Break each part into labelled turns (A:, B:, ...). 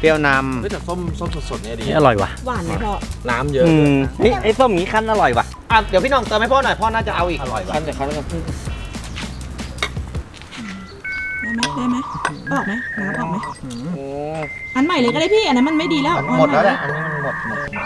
A: เปรี้ยวน
B: ำแต่ส้มสดๆเนี่ยดี
A: อร่อยว่ะ
C: หวานไหมพ่อ
B: น้ำเยอะ
A: ไอ้ส้มนี้คั้นอร่อยว่ะเดี๋ยวพี่น้องเติมให้พ่อหน่อยพ่อน่าจะเอาอีกอร่อยว่ะ
B: คั้นแต่คั้นกับ
C: ได้ไหมออกไหมน้ำออกไหมอันใหม่เลยก็ได้พี่อันนั้นมันไม่ดีแล้ว
A: หมดแล้วแหละอันนี้มันหมด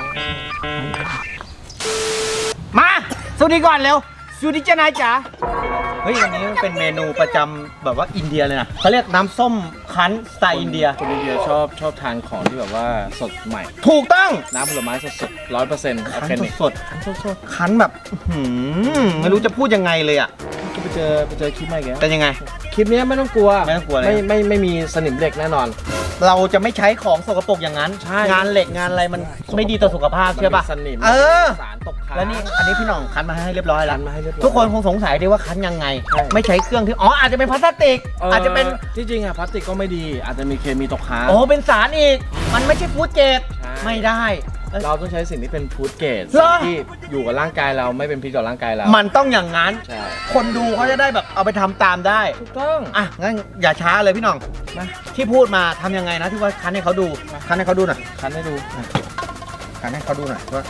A: มาสวัสดีก่อนเร็วสวัสดีเจ้านายจ๋าเฮ้ยวันนี้มันเป็นเมนูประจำแบบว่าอินเดียเลยนะเขาเรียกน้ำส้มคั้นสไตล์อินเดีย
B: คนอินเดียชอบทานของที่แบบว่าสดใหม่
A: ถูกต้อง
B: น้ำผลไม้สดๆ100%
A: คั้นสดคั้นแบบไม่รู้จะพูดยังไงเลยอ่ะ
B: ก็ไปเจอคลิปมาอีกแล้ว
A: เป็นยังไง
B: คลิปนี้ไม่ต้องกลัว
A: เลย
B: ไม่มีสนิมเหล็กแน่นอน
A: เราจะไม่ใช้ของสกปรกอย่างนั้นงานเหล็กงานอะไรมันไม่ดีต่อสุขภาพเชื่อป่ะ
B: สนิมสารตกค้าง
A: แล้วนี่อันนี้พี่หน่องคั้นมาให้เรียบร้อยแล้ว
B: ทุ
A: ทุกคนคงสงสัยดีว่าคั้นยังไงไม่ใช้เครื่องที่อาจจะเป็นพลาสติกอาจจะเป็น
B: ที่จริงอะพลาสติกก็ไม่ดีอาจจะมีเคมีตกค้าง
A: เป็นสารอีกมันไม่ใช่ฟู้ดเกรดไม่ได้
B: เราต้องใช้สิ่งที่เป็นฟู้ดเกรดที่อยู่กับร่างกายเราไม่เป็นพิษต่อร่างกายเรา
A: มันต้องอย่างนั้นคนดูเขาจะได้แบบเอาไปทำตามได้
B: ถูกต้อง
A: งั้นอย่าช้าเลยพี่หน่องที่พูดมาทำยังไงนะที่ว่าคั้นให้เขาดูคั้นให้เขาดูหน่อย
B: คั้นให้ดู
A: คั้นให้เขาดูหน่อยว่า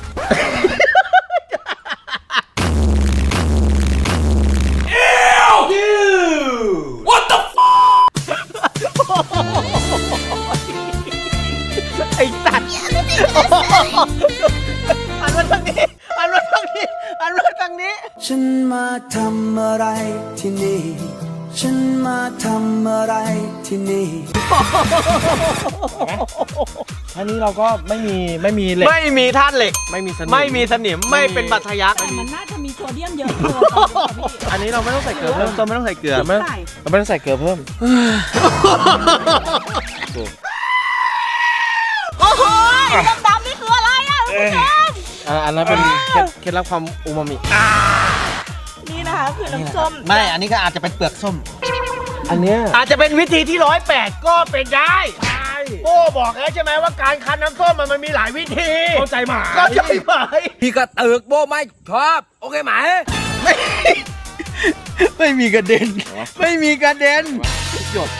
A: What theไอ้สัตว์อันมาทางนี้อันมาทางนี้อันมาทางนี้
D: ฉันมาทำอะไรที่นี่ฉันมาทำอะไรที่นี่
B: อันนี้เราก็ไม่มีเหล็ก
A: ไม่มีธาตุเหล็ก
B: ไม่มีส
A: นิมไม่เป็นบัตรทะยัก
C: แต่มันน่าจะมีโซเดียมเยอะ
B: อันนี้เราไม่ต้องใส่เกลือเพิ่ม
A: ไม่ต้องใส่เกลือ
B: เราไม่ต้องใส่เกลือเพิ่ม
C: โอ้โหดำๆนี่คืออะไรอ่ะคุณผู้ชม
B: อันนั้นเป็นเคล็ดลับความอูมามิ
C: นี่นะคะคือน้ำส้ม
A: ไม่อันนี้ก็อาจจะเป็นเปลือกส้ม
B: อันเนี้ย
A: อาจจะเป็นวิธีที่108ก็เป็นได้โอ้บอกแล้วใช่ไหมว่าการคั้นน้ำส้มมันมีหลายวิธี
B: เข้าใจไหม
A: พี่ก็ตึกโบไม่ชอบโอเคไหมไม่มีกระเด็นไม่มีกระเด็น
B: หยด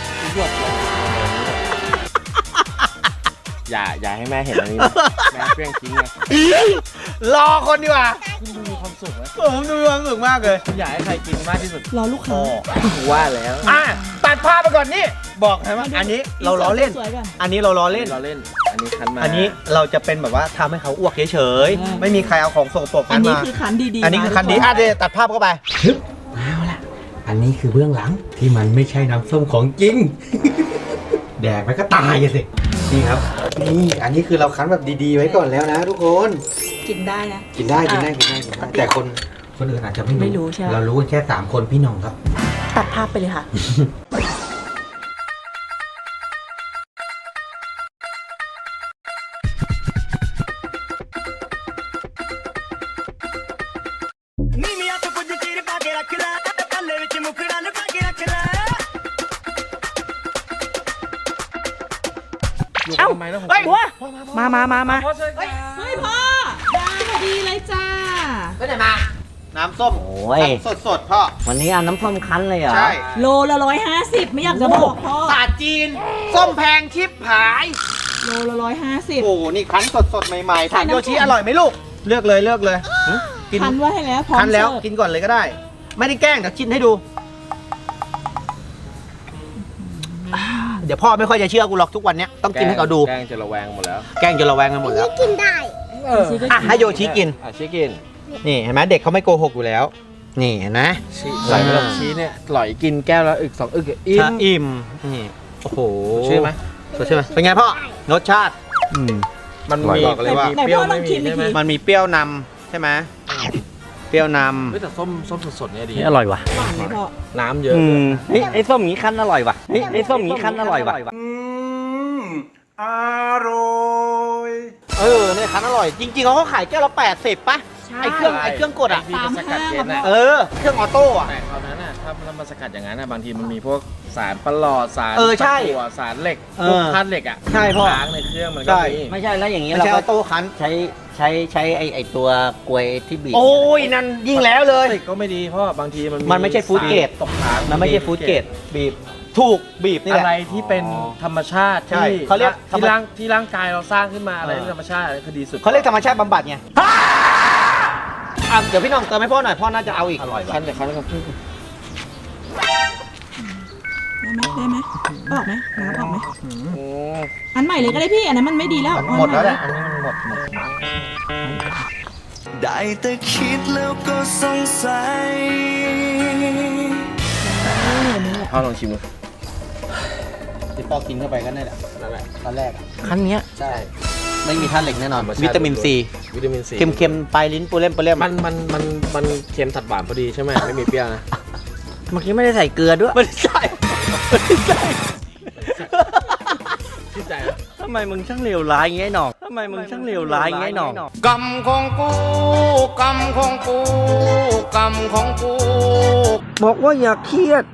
B: อย่าให้แม่เห็นอันนี้แม่เพี้ยงทิ้งนะ
A: รอคนดีกว่า
B: คุณดูมีความสุขไหม
A: ผมดูมีความสุขมากเลย
B: อยากให้ใครกินมากที่สุด
C: รอลูกค้า
B: ว่าแล้ว
A: ตัดภาพไปก่อนนี่บอกให้ว่าอันนี้เราล้อเล่นอันนี้เราล้อเล่น
B: อันนี้คั้นมา
A: อันนี้เราจะเป็นแบบว่าทำให้เขาอ้วกเฉยๆไม่มีใครเอาของสกปรก
C: อันนี้คือคั้นดี
A: อันนี้คือคั้นดีเดี๋ยวตัดภาพเข้าไปเอาละอันนี้คือเบื้องหลังที่มันไม่ใช่น้ำส้มของจริงแดกไปก็ตายสินี่ครับนี่อันนี้คือเราคั้นแบบดีๆไว้ก่อนแล้วนะทุกคน
C: กินได้นะ
A: กินได้แต่คนอื่นอาจจะไม่รู้
C: ใช่ไหม
A: เรารู้แค่3คนพี่น้องครับ
C: ตัดภาพไปเลยค่ะ
B: เอ้าทำไมนะ
C: เฮ้ยบัวมาเฮ้ยพ่อได้พอดีเลยจ้า
A: ไปไหนมาน้ำส้มสดพ่อ
E: วันนี้เอาน้ำส้มคั้นเลยเหรอ
A: ใช่
C: โลละ150ไม่อยากจะบอกพ่อ
A: ศาสตร์จีนส้มแพงชิบหาย
C: โลละ150
A: โอ้นี่คั้นสดใหม่ๆถามโยชิอร่อยไหมลูกเลือกเลย
C: คั้นไว้ให้แล้วพร้อม
A: คั้นแล้วกินก่อนเลยก็ได้ไม่ได้แกล้งเดี๋ยวชิมให้ดูเดี๋ยวพ่อไม่ค่อยจะเชื่อกูหรอกทุกวันนี้ต้องกินให้เขาดู
B: แกล้งจะระแวงหมดแล้ว
A: กันหมดแล้ว
F: กินได้
A: ให้โยชิกิน
B: ชี้กิน
A: นี่เห็นไหมเด็กเขาไม่โกหกอยู่แล้วนี่เห็นไหม
B: ใส่ไปแล้วชี้เนี่ยหล่อยกินแก้วละอึก2 อึก
A: อิ่มนี่โอ้โห
B: ใช่ไหม
A: เป็นไงพ่อรสชาติ
B: มันมี
A: เลยว่า
C: เปรี้ยวไม่มีใช่ไหม
A: มันมีเปรี้ยวนำใช่ไหมเปรี้ยวน
B: ำแต่ส้มสดๆเนี่ยดี
A: อร่อยว่ะ
C: หวานไหมพ่อ
B: น้ำเยอะ
E: ไอ้ส้มนี้คั้นอร่อยว่ะไอ้ส้มนี้คั้นอร่อยว่ะ
A: อร่อยเนี่ยคั้นอร่อยจริงๆเขาขายแก้วละ80ป่ะไอ้เครื่องกด
B: ที่มันสกัดเย็น
A: เครื่องออโต้อะ
B: แต่คราวนั้นถ้ามันสกัดอย่างนั้นบางทีมันมีพวกสารประหลอดสาร
A: ใช่
B: สารเหล็กพวกธาตุเหล็กอ่ะ
A: ใช่พ่อ
B: ค้างในเครื่องมันก็มี
E: ไม่ใช่แล้วอย่างนี้
A: เราก็ออโต้คั้น
E: ใช้ไอ้ตัวกลวยที่บีบ
A: โอ้ยนั่นยิ่งแล้วเลย
B: ก็ไม่ดีเพราะบางที
A: มันไม่ใช่ฟู้ดเกรด
B: ตกค้าง
A: มันไม่ใช่ฟู้ดเกรดบีบถูกบีบนี่แห
B: อะ
A: ละ
B: ไรที่เป็นธรรมชาติ
A: ใช่
B: ที่
A: เขาเรียก
B: ที่ร่างกายเราสร้างขึ้นมาอะไรที่ธรรมชาติอะไรคือดีสุด
A: เขาเรียกธรรมชาติบำบัดไงเดี๋ยวพี่น้องเติมให้พ่อหน่อยพ่อน่าจะเอาอีกอร่อย
B: คันแต่คันแล้วก็
C: ได้ไหมออกไหมน้ำออกไหมอันใหม่เลยก็ได้พี่อันนั้นมันไม่ดีแล้ว
A: หมดแล้วแหละอันนี้มันหมด
D: ได้แต่คิดแล้วก็สงสัย
B: พ่อลองชิมดู
A: ที่พ่อกินเข้าไปก็นั่นแหละตอนแรก
E: คันเนี้ย
A: ใช่ไม่มีธาตุเหล็กแน่นอน
B: ธรรมชาติ
A: วิตามินซี
B: วิตามินซี
A: เค็มๆปลายลิ้นปูเล่มปูเล่ม
B: มันเค็มตัดหวานพอดีใช่ไหมไม่มีเปรี้ยวนะ
E: เมื่อกี้ไม่ได้ใส่เกลือด้วย
A: ไม่ใช่ไม่ใช่
B: ชื่นใจนะ
E: ทำไมมึงช่างเลวร้ายอย่างงี้ไอ้หนองทำไมมึงช่างเลวร้ายอย่างงี้ไอ้หนอง
F: กรรมของกูกรรมของกูกรรมของกู
E: บอกว่าอย่าเครียด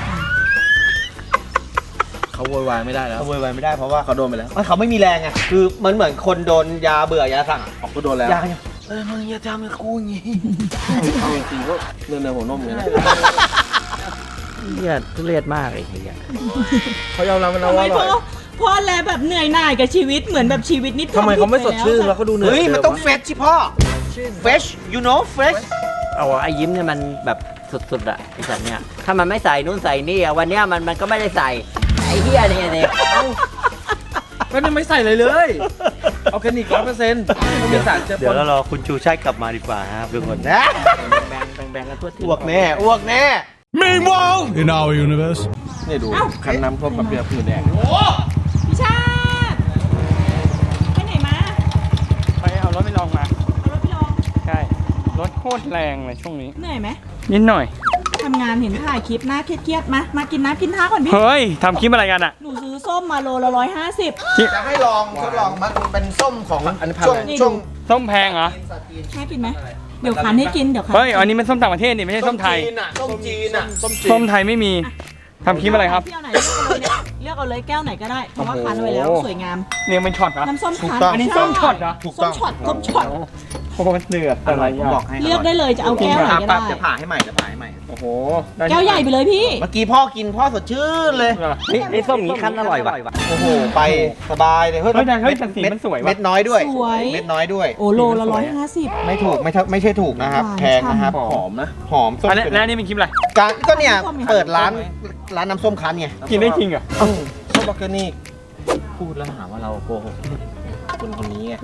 B: เขาโวยวายไม่ได้แล้ว
A: เขาโวยวายไม่ได้เพราะว่า
B: เขาโดนไปแล้ว
A: เขาไม่มีแรงไงคือมันเหมือนคนโดนยาเบื่อยาสั่ง
B: ออกก็โดนแล้ว
A: ยาเนี่ยมึงอย่าทำกับกูอย่างงี้
B: เอาจริงๆก็เนื้อหัวนมเลยนะ
E: เหี้ยทุเรศมากไอ้เหี้ย
B: เขายอมรับมันนะ
C: ทำไม
B: ว่าอร่อย
C: พ่อแลแบบเหนื่อยหน่ายกับชีวิตเหมือนแบบชีวิตนิด
B: ทำไมเขาไม่สดชื่นแล้วเขาดูเหนื่อย
A: เฮ้ยมันต้องเฟชชิพ่อ fresh you know fresh
E: เอาไอ้ยิ้มเนี่ยมันแบบสุดๆอะไอ้สัตว์เนี่ยถ้ามันไม่ใส่นู่นใส่นี่อะวันเนี้ยมันก็ไม่ได้ใส่ไอ้เหี้ยเนี่ย
B: ก็ยังไม่ใส่เลยเลยออร์แกนิก100%ไม่มีสารเจือป
E: เดี๋ยวน เรารอคุณชูชาติกลับมาดีกว่าครับทุกคน
A: นะ
E: แบ่งกันทั่วที่
A: อ้วกแน่อ้วกแน่
G: Meanwhile, in our universe.
B: นี่ดูคันน้ำส้มแบบเปรี้ยวผื่นแดง
C: พี่ชาติไปไหนมา
H: ไปเอารถไปลองมา
C: เอารถไปลอง
H: ใช่ รถโคตรแรงเลยช่วงนี้
C: เหนื่อยไหม
H: นิดหน่อย
C: ทำงานเห็นถ่ายคลิปหน้าเครียดๆมากินน้ำกินท่าก่อนพี่
H: เฮ้ยทำคลิปอะไรกันอ่ะ
C: หนูซื้อส้มมาโลละ150
A: จะให้ลองทดลองมันเป็นส้มของ
B: อันนี้พัน
A: ช่วง
B: อะไร
A: ช่วง
H: ส้มแพงเหรอ
C: น่ากินไหมเดี๋ยวคันให้กินเดี๋ยวคัน
H: เฮ้ย อันนี้มันส้มต่างประเทศนี่ไม่ใช่ส้มไทย
A: จีนอ่ะส้มจีนอ่ะ
B: ส้มจีน
H: ส้มไทยไม่มี ทำคลิปอะไรครับ
C: เที่ยวไหนเลือกเอาเลยแก้วไหนก็ได้เพราะว่าคันไว้แล้ว
H: โอ้โห
C: สวยงาม
H: เนี่ยมันช็อตเหรอ
C: น้ำส้มคัน
H: อันนี้ส้มช็อตเหรอ
A: ถูก
C: ส้
A: ต้
C: ม
A: อง
C: ช็อตส้มช็อต
H: โอ้โหเดือดอะไร
A: ผมบอกให้
C: เลือกได้เลยจะเอาแก้วไหนก็
A: ปั๊บ
C: ได้
A: จะผ่าให้ใหม่จะผ่าให้ใหม่
H: โอ้โห
C: แก้วใหญ่ไปเลยพี่
A: เมื่อกี้พ่อกินพ่อสดชื่นเลย
E: เฮ้ยไอ้ส้มนี้คั้นอร่อยว่ะ
A: โอ้โหไปสบายเลย
H: เฮ้ยแต่สีมันสวยว่ะ
A: เม็ดน้อยด้วย
C: สวย
A: เม็ดน้อยด้วย
C: โอ้โลละ150
A: ไม่ถูกไม่ใช่ถูกนะครับ
C: หวาน
A: แพงนะครับ
C: ฉ่ำ
B: หอมนะ
A: หอมส้ม
H: อันนี้แล้วอันนี่เป็นคลิปอะไร
A: การก็เนี่ย
C: ส้มไง
A: เปิดร้านน้ำส้มคั้นไง
H: กินได้จริงเหรอ
B: ส้มออร์แกนิกพูดแล้วหาว่าเราโกหกคนนี้ไง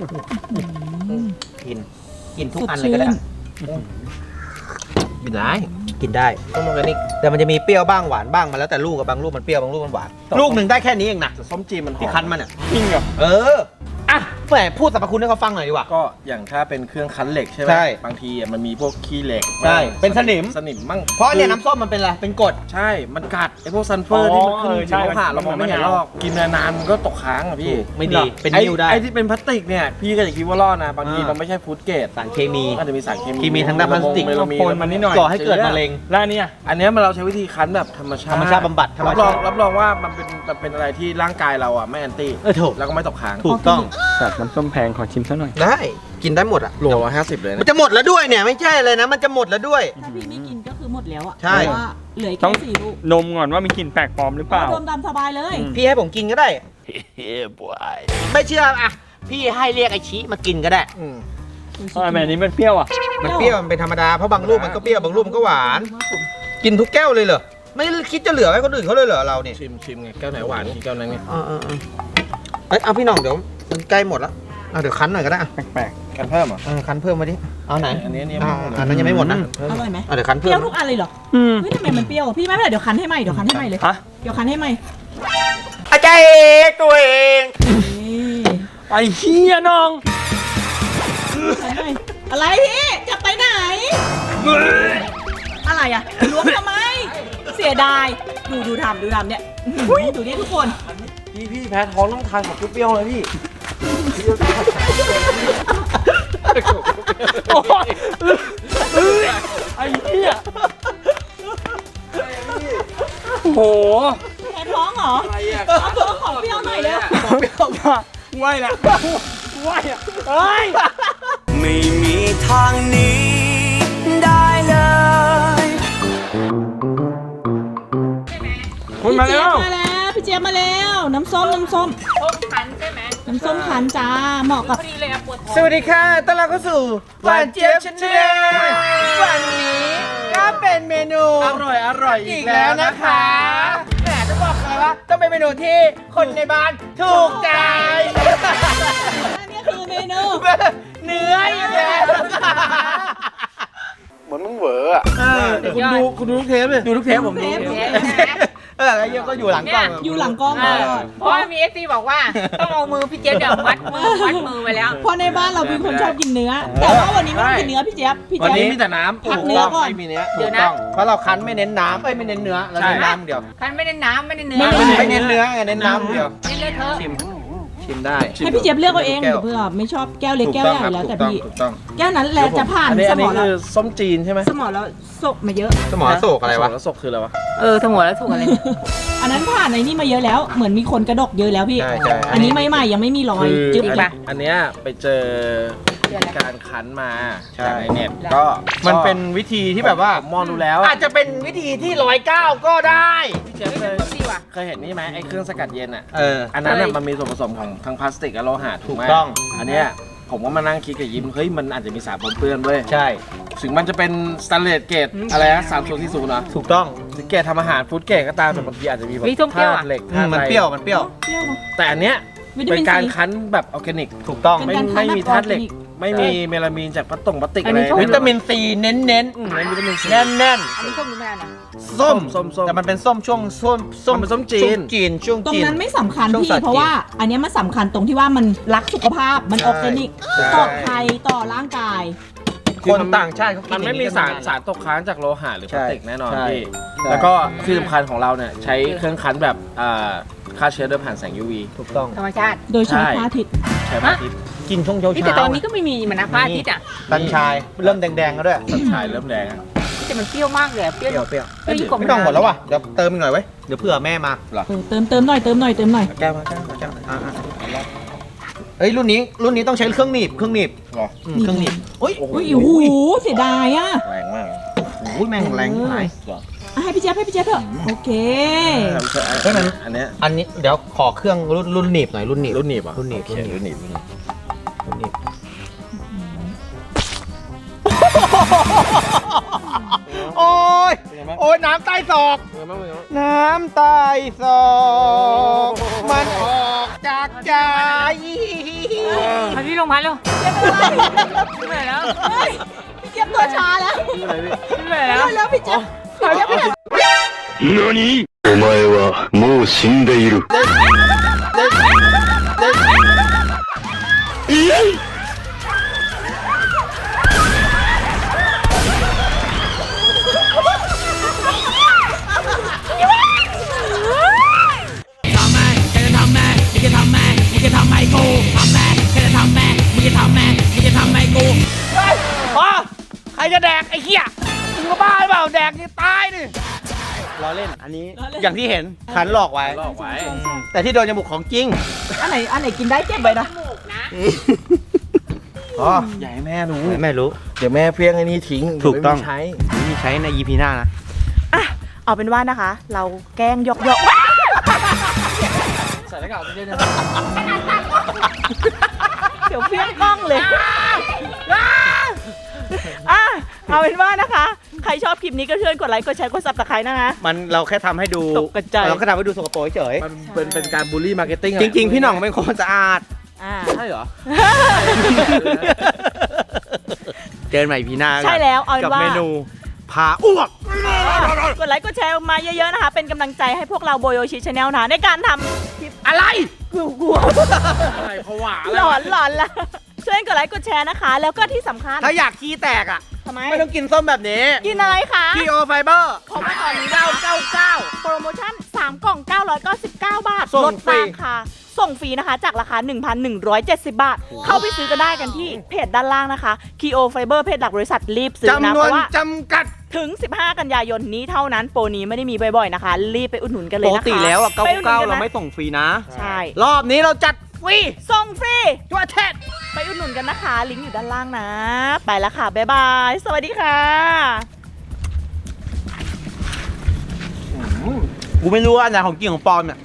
A: กินทุกอันเลยก็ได้
B: กินได้
A: กินได้
B: ส้มออร์แกนิก
A: แต่มันจะมีเปรี้ยวบ้างหวานบ้างมาแล้วแต่ลูกกับบางลูกมันเปรี้ยวบางลูกมันหวานลูกหนึ่งได้แค่นี้เองนะ
B: แต่ส้มจีนมันหอม
A: ที่คั้นมันอ่ะ
H: จริงเหรอ
A: เอออ่ะแหมพูดสรรพคุณให้เขาฟังหน่อยดีกว่า
B: ก็อย่างถ้าเป็นเครื่องคั้นเหล็กใช่ไหม
A: ใช่
B: บางทีมันมีพวกขี้เหล็ก
A: ใช่เป็นสนิม
B: สนิมมั่ง
A: เพราะเนี่ยน้ำส้มมันเป็นอะไรเป็นกรด
B: ใช่ มันกัดไอ้พวกซัลเฟอร์ที่มันขึ้น
H: ใช่
B: ผิวผ่าเรามองไม่เห็นหรอกกินนานๆมันก็ตกค้างอ่ะพี่
A: ไม่ดีเป็นนิ่วได้
B: ไอ้ที่เป็นพลาสติกเนี่ยพี่ก็จะคิดว่ารอดนะบางทีมันไม่ใช่ฟู้ดเกรด
A: สารเคมี
B: อาจจะมีสารเคมี
A: ที่มีทั้งด้านพลาสติก
B: เมลามีน
H: โคนมันนิดหน่อย
A: ก่อให้เกิดมะเร็ง
H: แล้วอันเนี่ย
B: อันเนี้ยเราใช้วิธีคั้นแบบธรรมชาติ
A: ธรรมชาติบำบัดธรรม
B: รับ
A: ชาร
B: อง
A: ติ
B: รับรองว่ามันเป็นอะไรที่ร่างกายเราอ่ะไม่แอนตี้
A: ถูก
B: แล้วก็ไม่ตกค้าง
A: ถูกต้อง
H: สัตว์น้ำส้มแพงขอชิมซะหน่อย
A: ได้กินได้หมดอ่ะ
B: โล150เลย
A: มัน
B: นะ
A: จะหมดแล้วด้วยเนี่ยไม่ใช่เลยนะมันจะหมดแล้วด้วย
C: ถ้าพี่ไม่กินก็คือหมดแล้วอ่ะ
A: ใช่
C: เพราะว่าเหลือ
H: ต้
C: แค่
H: อง
C: 4 ลูก
H: นมก่อนว่ามีกลิ่นแปลกปลอมหรือเปล่า
C: โดมตามสบายเลย
A: พี่ให้ผมกินก็ได้ไม่เชื่ออ่ะพี่ให้เรียกไอชิมากินก็ได้
H: ทำไมอันนี้มันเปรี้ยวอ่ะ
A: มันเปรี้ยวมันเป็นธรรมดาเพราะบางลูกมันก็เปรี้ยวบางลูกมันก็หวาน กินทุกแก้วเลยเหรอไม่คิดจะเหลือไว้คนอื่นเขาเลยเหรอเราเนี่ย
B: ชิมไงแก้วไหนหวานที่แก้วนั้นไง
A: เอ้ยเอาพี่หน้องเดี๋ยวมันใกล้หมดแล้วเอาเดี๋ยวคั้นหน่อยก็ได้อ่ะ
H: แปลก
B: กันเพิ่มเหรอ
A: คั้นเพิ่มมาดิเอาไหน
B: อันนี้ยัง
A: อ่า
B: ไม่หมด
A: อันนั้นยังไม่หมดนะ
C: อร่อยไหม
A: เอาเดี๋ยวคั้น
C: เป
A: เพิ่
C: รี้ยว
A: ม
C: ทุกอันเลยเหรอ
H: อืม
C: เฮ้ยทำไมมันเปรี้ยวพี่ไม่เป็นไรเดี๋ยวคันให้ใหม่เดี๋ยวคันให้ใหม่เลย
H: ฮะ
C: เดี๋ยวคันให้ใหม่
A: อาจารย์ตัวเอง
C: นี่
H: ไอ้เหี้ยน้อง
C: คันให้อะไรพี่จะไปไหน อะไรอ่ะล้วงทำไม เสียดายดูทำเนี่ยดูนี่ทุกคน
B: พี่แพ้ท้องต้องทานของเปรี้ยวๆเลยพี่
H: โอ้ยไอ้เหี้ยโอ้โห
C: แพ้ท้องเหรอเอาตัวของเปรี้ยวหน่อยเร็ว
H: ไหวละไหวอ่ะเฮ้ย
D: ไม่มีทางหนี้ได้เลย
B: คุณมาแล้ว
C: มาแล้วพี่เจี๊ยบมาแล้วน้ำส้มน้ำส้มขันใช่ไหมน้ำส้มขันจ้าเหมาะกับ
B: สวัสดีค่ะต้อนรับเข้าสู่หวานเจี๊ยบชาแนลวันนี้ก็เป็นเมนูอร่อยอีกแล้วนะคะแหมจะบอกเลยว่าต้องเป็นเมนูที่คนในบ้านถูกใจ
C: อันนี้คือเมนู
B: เนื้ออีกแล้ว
H: เหมือนมึงเหวออะ
B: คุณดูทุกเทปเลยดูทุกเทปผมดูแล้วเยอะก็อยู่หลังกล้อง
C: อยู่หลังกล้องตลอด
I: เพราะว่ามีเอฟซีบอกว่า ต้องเอามือพี่เจี๊ยบเดี๋ยวมัดมือไว้แล้ว
C: เพราะในบ้านเราเป็นคนชอบกินเนื้อ แต่ว่าวันนี้ไม่ต้องกินเนื้อพี่เจี๊ยบ
B: วัน
C: เจี๊
B: นี้
C: ยบ
B: มีแต่น้ำ
C: พักเนื้อก่อน
B: ไม่มีเนื้อ
I: เดี๋ยวนะ
B: ถูกต้องเพราะเราคั้นไม่เน้นน้ำไม่เน้นเนื้อเราเน้นน้ำเดียว
I: คันไม่ได้น้ำไม่ได้เนื้อ
B: ไม่เน้นเนื้อไงเน้นน้ำเดียว
I: เน้นเลยเธอะ
B: ชิมได้
C: ให้พี่เจี๊ยบเลือกเอาเองเผื่อไม่ชอบแก้วเล็กแก้วใหญ่แล้วแต่พี่
B: ถูกต้อง
C: แก้วนั้นแหละจะผ่าน
B: อันนี้
C: สมอง
B: คื
C: เรา
B: อส้มจีนใช่ไหม
C: สมองเราสกมาเยอะ
A: สมอโศกอะไรวะ
B: แล้วศกคืออะไรวะ
I: สมองแล้วถูกอะไร
C: อันนั้นผ่านในนี่มาเยอะแล้วเหมือนมีคนกระดกเยอะแล้วพี่
A: ใช่ใช่
C: อันนี้ใหม่ๆยังไม่มีรอย
B: คือ
C: จึ๊บ
B: อันเนี้ยไปเจอการคั้นมา
A: ใช่
B: จากในเน็ตก็
A: มันเป็นวิธีที่แบบว่า
B: ผมมองดูแล้ว
A: อาจจะเป็นวิธีที่109ก็ได้
B: พี่เจฟเคยเห็นนี่ไหมไอ้เครื่องสกัดเย็นอ่ะ อัน
I: เค
B: นั้น
I: ย
B: น่ะมันมีส่วนผสมของทั้งพลาสติกและโลหะถูกไหม
A: ถูกต้อง
B: อันเนี้ยผมก็มานั่งคิดกับยิ้มเฮ้ยมันอาจจะมีสารปนเปื้อนเว้ย
A: ใช่
B: ถึงมันจะเป็นสแตนเลสเกรดอะไรนะ3040นะ
A: ถูกต้อง
B: ถึงเกรดทำอาหารฟู้ดเกรดก็ตามแต่บางทีอาจจะมีแบบ
I: มีส้มเปรี้ยวอะ
B: ธาตุเหล็ก
A: มันเปรี้ยวมันเปรี้ยว
C: เปรี้ยวเนอะ
B: แต่อันเนี้ย
C: วิตา
B: เป็
C: มิ
B: น
C: น
B: การ
C: ซี
B: คั้นแบบออร์แกนิก
A: ถูกต้อง
C: เป็นการคั้น
B: ไม่มี
C: แบบ
B: ธาตุเหล็ก
C: ออร์แกนิก
B: ไม่มีเมลามีนจากพลาสติก
I: อั
B: อะ
I: น
B: ไร
I: นี้ชอบ
A: วิตามินซีเน้น
B: ไม่วิตามินซี
A: ๆแน่น
I: อันนี้ส้มหรือไม่อันนะ
A: ๆส้ม
B: ส้ม
A: แต่มันเป็นส้มช่วงส้ม
B: มันเป็นส้มจีน
A: ช่วง
C: ตรง
A: จีน
C: นั้นไม่สำคัญ
A: ช่วง
C: พี่
A: สัตว์
C: เพราะว่าอันเนี้ยมันสำคัญตรงที่ว่ามันรักสุขภาพมันออร์แกนิก
A: ใช่
C: ปลอดภัยต่อร่างกาย
A: คนต่างชาติเขากิน
B: มันไม่มี
A: อย่ง
B: สาร
A: กัน
B: สารตกค้างจากโลหะหรือพลาสติกแน่นอน
A: ใช่
B: พี่
A: ใช่
B: แล้วก็ที่สำคัญของเราเนี่ยใช้เครื่องคั้นแบบฆ่าเชื้อโดยผ่านแสง UV
A: ถูกต้อง
I: ธรรมชาติ
C: โดยใช้
B: ใช่
C: พระอาทิตย์
B: ใช้พระอาทิตย์
A: กินช่วงเช้า
I: นี่
A: เช้า
I: แต่ตอนนี้ก็ไม่มีมันนะพระอาทิตย์อ่ะ
A: ตันชายเริ่มแดงๆแล้วด้วย
B: สันชายเริ่มแดงอะ
I: แต่มันเปรี้ยวมากเลยเปรี้ยว
A: เปรี้ยว
I: เปรี้ยวยิ่งกว่า
A: ไม่ต้องหมดแล้วว่ะเดี๋ยวเติมอีกหน่อยไว้ยเดี๋ยวเผื่อแม่มา
C: เติมหน่อยเติมหน่อย
A: แก้วมาเอ้ยรุ่นนี้ต้องใช้เครื่องหนีบ
B: หรอ
A: เครื่องหนีบโอ้ย
C: อุ้ยโอ้โหเสียดายอ่ะ
B: แรงมาก
A: โอ้ยแม่งแรงหาย
B: หรอ
C: อ่ะให้พี่เจี๊ยบเถอะโอเค
A: เฮ้ยมัน
B: อันเนี้ย
A: อันนี้เดี๋ยวขอเครื่องรุ่นหนีบหน่อยรุ่นหนีบ
B: รุ่นหนีบอ่ะ
A: รุ่นหนีบ
B: โอเครุ่นหนีบ
A: โอ้ยโอ้ยน้ำใต้ศอก น้ำใต้ศอกมันออกจากใจ
I: มาที่โรงพยาบาลเร็วไม่ไหวแล้ว
C: เฮ้ยพี่เจี๊ยบตัวชาแล้ว
I: ไม่ไหวแล้ว
C: แล้วพี่เจี๊ยบ
G: 何お前はもう死んでいる。
A: ใครจะแดกไอ้เหี้ยมึงก็บ้าหรือเปล่าแดกนี่ตายดิล้อเล่นอันนี้อย่างที่เห็นขันหลอกไว้
B: ลอกไว้
A: แต่ที่โดนจมูกของจริง
C: อันไหนกินได้เก็บไว้นะ
A: อ๋อ
B: อย่าให้แม่รู้
A: ไม่รู้
B: เดี๋ยวแม่เพี้ยงไอ้นี่ทิ้ง
A: ถูกต้อง
B: เดี๋ยวไม่มีใช้
A: มีใช้ใน EP หน้านะ
C: อ่ะเอาเป็นว่านะคะ เราแกล้งยอก
B: ใส่หน้ากากออกซิเจนนะ
C: เดี๋ยวเพี้ยงกล้องเลยอ่ะเอาเป็นว่านะคะ ใครชอบคลิปนี้ก็เชิญกดไลค์กดแชร์กดซับสไครต์นะคะ
A: มันเราแค่ทำให้ดู
C: ตกกระจาย
A: เราแค่ทำให้ดูสกปรกเฉย
B: มันเป็นการบูลลี่มาร์เก็ตติ้ง
A: จริง ๆ พี่หน่องเป็นคนสะอาด
C: อ่า
B: ใช่เหรอ
A: เจอกันใหม่ EP หน้า
C: ใช่แล้วเอาเป็น
A: กับ
C: ว่า
A: เมนูพาอ้วก
C: กดไลค์กดแชร์มาเยอะๆนะคะ เป็นกำลังใจให้พวกเราโบโยชิชาแนลนะในการทำคลิปอะไรกลัว
B: อะไรผวา
C: หลอนละช่วยกดไลค์กดแชร์นะคะ แล้วก็ที่สำคัญ
A: ถ้าอยากขี้แตกอ่ะ
C: ทำไม
A: ไม่ต้องกินส้มแบบนี้
C: กินอะไรคะ
A: คีโอไฟเบอร์
C: เพราะว่าตอนนี้999 โปรโมชั่น 3 กล่อง 999 บาท
A: ส่
C: ล
A: ง
C: ด
A: ฟรี
C: ราคาส่งฟรีนะคะ จากราคา 1,170 บาท เข้าไปซื้อกันได้กันที่เพจด้านล่างนะคะ Keo Fiber เพจหลักบริษัทรีบซื้อนะ
A: จำน
C: เพ
A: วน
C: ราะว่า
A: จำกัด
C: ถึง 15 กันยายนนี้เท่านั้น โปรนี้ไม่ได้มีบ่อยๆนะคะ รีบไปอุดหนุนกันเล
A: ป
C: ย
A: ก
C: นะคะ
A: ติแล้วอ่ะ
C: ไปอุดหนุนกัน
A: 99เรา
C: นะ
A: ไม่ส่งฟรีนะ
C: ใช่
A: รอบนี้เราจัดฟรี
C: ส่งฟรี
A: ทั่วประเทศ
C: ไปอุดหนุนกันนะคะ ลิงก์อยู่ด้านล่างนะ ไปแล้วค่ะ บ๊ายบาย สวัสดีค่ะ
B: กูไม่รู้ว่าอันไหนของจริงของปลอมเนี่ย